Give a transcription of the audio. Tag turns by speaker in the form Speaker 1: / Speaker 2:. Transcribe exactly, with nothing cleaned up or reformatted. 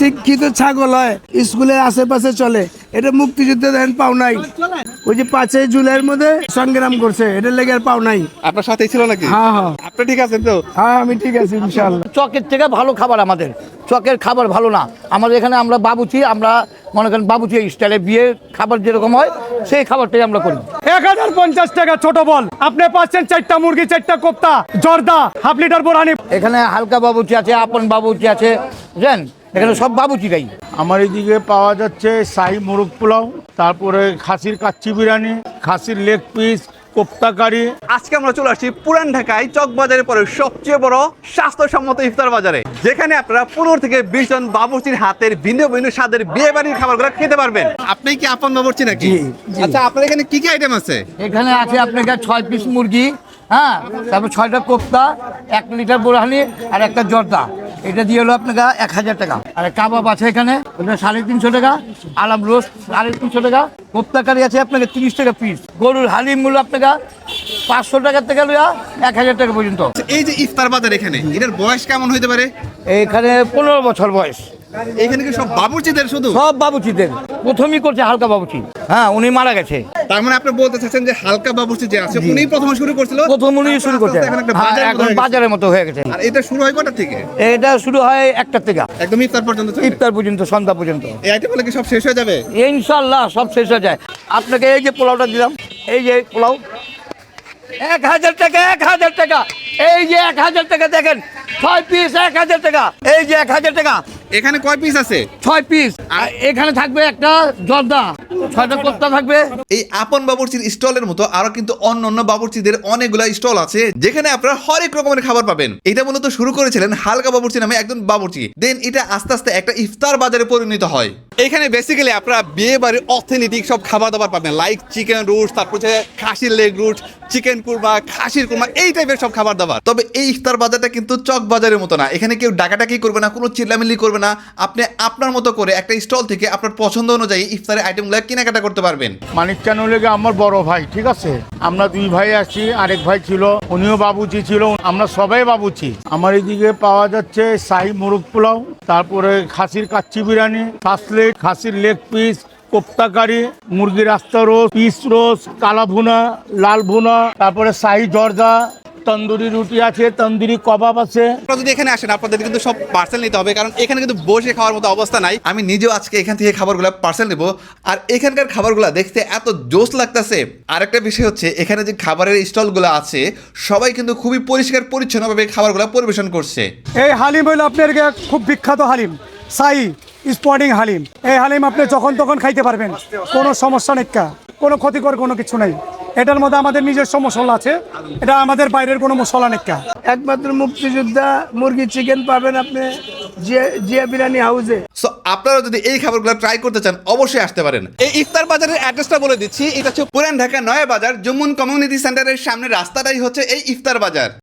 Speaker 1: শিক্ষিত ছাগল হয়, স্কুলের আশেপাশে চলে। এটা মুক্তিযুদ্ধে দেন পাও নাই, ওই যে পাঁচই জুলাইয়ের মধ্যে সংগ্রাম করছে, এটা লেগে আর পাও নাই।
Speaker 2: আপনার সাথেই ছিল নাকি?
Speaker 1: হ্যাঁ হ্যাঁ
Speaker 2: আপনি ঠিক আছেন তো?
Speaker 1: হ্যাঁ আমি ঠিক আছি ইনশাআল্লাহ।
Speaker 3: চকের থেকে ভালো খাবার আমাদের, চকের খাবার ভালো না আমাদের এখানে। আমরা বাবুচি, আমরা মনে করেন বাবুচি স্টাইলে বিয়ে খাবার যেরকম হয় সেই খাবারটাই আমরা করি।
Speaker 4: এক হাজার পঞ্চাশ টাকা ছোট বল, আপনি পাচ্ছেন চারটা মুরগি, চারটা কোপ্তা, জর্দা, হাফ লিটার বোরানি।
Speaker 3: এখানে হালকা বাবুচি আছে, আপন বাবুচি আছে, বুঝলেন, এখানে সব বাবুচিরাই।
Speaker 5: আমার এদিকে পাওয়া যাচ্ছে শাহি মোরগ পোলাও, তারপরে খাসির কাচ্চি বিরিয়ানি, খাসির লেগ পিস, কোপ্তা কারি।
Speaker 2: আজকে আমরা চলে আসছি পুরান ঢাকায় চক বাজারের পরে সবচেয়ে বড় স্বাস্থ্যসম্মত ইফতার বাজারে, যেখানে আপনারা পনেরো থেকে বিশ জন বাবুর্চির হাতের ভিন্ন ভিন্ন স্বাদের বিয়ে বাড়ির খাবারগুলো খেতে পারবেন। আপনি কি আপন বাবুর্চি নাকি? আচ্ছা, আপনার এখানে কি কি আইটেম আছে?
Speaker 3: এখানে আছে আপনার ছয় পিস মুরগি, হ্যাঁ, তারপর ছয়টা কোপ্তা, এক লিটার বোরহানি আর একটা জর্দা। এটা দিয়ে হলো আপনাকে এক হাজার টাকা। আর কাবাব আছে এখানে, ওটা সাড়ে তিনশো টাকা। আলাম রোস্ট সাড়ে তিনশো টাকা। কোপ্তা কারি আছে আপনাকে তিরিশ টাকা পিস। গরুর হালিম মূল্য আপনাকে পাঁচশো টাকার থেকে লইয়া এক হাজার টাকা পর্যন্ত।
Speaker 2: এই যে ইফতার বাজার, এখানে এটার বয়স কেমন হইতে পারে?
Speaker 3: এখানে পনেরো বছর বয়স।
Speaker 2: এখানে কি সব বাবুর্চিদের শুধু?
Speaker 3: সব বাবুচিদের, প্রথমই করছে হালকা বাবুচি। হ্যাঁ, উনি মারা গেছে।
Speaker 2: তার মানে আপনি বলতে চাচ্ছেন যে হালকা বাবুর্চি যে আছে উনি প্রথম শুরু করছিল,
Speaker 3: প্রথম উনি শুরু করছে।
Speaker 2: এখন একটা
Speaker 3: হ্যাঁ,
Speaker 2: বাজারের মতো
Speaker 3: এখন
Speaker 2: হয়ে গেছে।
Speaker 3: বাজারের মতো হয়ে গেছে।
Speaker 2: আর এটা শুরু হয় কটা থেকে?
Speaker 3: এটা শুরু হয় একটা থেকে
Speaker 2: একদম ইফতার পর্যন্ত চলে?
Speaker 3: ইফতার পর্যন্ত, সন্ধ্যা পর্যন্ত।
Speaker 2: এই আইটেমগুলো কি সব শেষ হয়ে যাবে?
Speaker 3: ইনশাল্লাহ সব শেষ হয়ে যায়। আপনাকে এই যে পোলাওটা দিলাম, এই যে পোলাও এক হাজার টাকা, এক হাজার টাকা। এই যে এক হাজার টাকা দেখেন, ছয় পিস এক হাজার টাকা। এই যে এক হাজার টাকা,
Speaker 2: এখানে কয় পিস আছে?
Speaker 3: ছয় পিস। আর এখানে থাকবে একটা জর্দা, ছয়টা কোপ্তা থাকবে।
Speaker 2: এই আপন বাবুর্চির স্টলের মতো আরো কিন্তু অন্য অন্য বাবুর্চিদের অনেকগুলা স্টল আছে, যেখানে আপনারা হরেক রকমের খাবার পাবেন। এটা মূলত শুরু করেছিলেন হালকা বাবুর্চি নামে একজন বাবুর্চি, দেন এটা আস্তে আস্তে একটা ইফতার বাজারে পরিণত হয়। এখানে বেসিক্যালি আপনারা বিয়ে বাড়ির অথেন্টিক সব খাবার দাবার পাবেন, লাইক চিকেন রোস্ট, তারপর হচ্ছে খাসির লেগ রোস্ট, চিকেন কুরমা, খাসির কুরমা, এই টাইপের সব খাবার দাবার। তবে এই ইফতার বাজারটা কিন্তু চক বাজারের মতো না। এখানে কেউ ডাকাডাকি করবে না, কোনো চিল্লামিল্লি করবে না। আপনি আপনার মতো করে একটা স্টল থেকে আপনার পছন্দ অনুযায়ী ইফতারের আইটেমগুলো কেনাকাটা করতে পারবেন।
Speaker 5: মানিক চান লেগে আমার বড় ভাই, ঠিক আছে, আমরা দুই ভাই আছি, আরেক ভাই ছিল, উনিও বাবুচি ছিল, আমরা সবাই বাবুচি। আমার এদিকে পাওয়া যাচ্ছে শাহি মোরগ পোলাও, তারপরে খাসির কাচ্চি বিরিয়ানি, কাসলেট, খাসির লেগ পিস, কোপ্তা কারি, মুরগির আস্তা রোস্ট, পিস রোস্ট, কালা ভুনা, লাল ভুনা, তারপরে শাহি জর্দা, তন্দুরি রুটি আছে, তন্দুরি কবাব আছে।
Speaker 2: আপনারা যদি এখানে আসেন আপনাদের কিন্তু সব পার্সেল নিতে হবে, কারণ এখানে কিন্তু বসে খাওয়ার মতো অবস্থা নাই। আমি নিজেও আজকে এখান থেকে খাবারগুলো পার্সেল নেব। আর এখানকার খাবারগুলো দেখতে এত জোস লাগতেছে। আরেকটা বিষয় হচ্ছে এখানে যে খাবারের স্টলগুলো আছে সবাই কিন্তু খুবই পরিষ্কার পরিচ্ছন্নভাবে খাবারগুলো পরিবেশন করছে।
Speaker 4: এই হালিম হইলো আপনার খুব বিখ্যাত হালিম, শাহি স্পটিং হালিম। এই হালিম আপনি যখন তখন খাইতে পারবেন, কোনো সমস্যা নেই, কোনো ক্ষতিকর কোনো কিছু নেই। এটার মধ্যে আমাদের নিজস্ব মশলা আছে, এটা আমাদের বাইরের কোনো মশলা নেই।
Speaker 1: একমাত্র মুক্তিযোদ্ধা মুরগি চিকেন পাবেন আপনি জিয়া জিয়া বিরিয়ানি হাউসে।
Speaker 2: সো আপনারা যদি এই খাবারগুলো ট্রাই করতে চান অবশ্যই আসতে পারেন। এই ইফতার বাজারের অ্যাড্রেসটা বলে দিচ্ছি, এটা হচ্ছে পুরান ঢাকা নয়া বাজার, জম্মুন কমিউনিটি সেন্টারের সামনে রাস্তাটাই হচ্ছে এই ইফতার বাজার।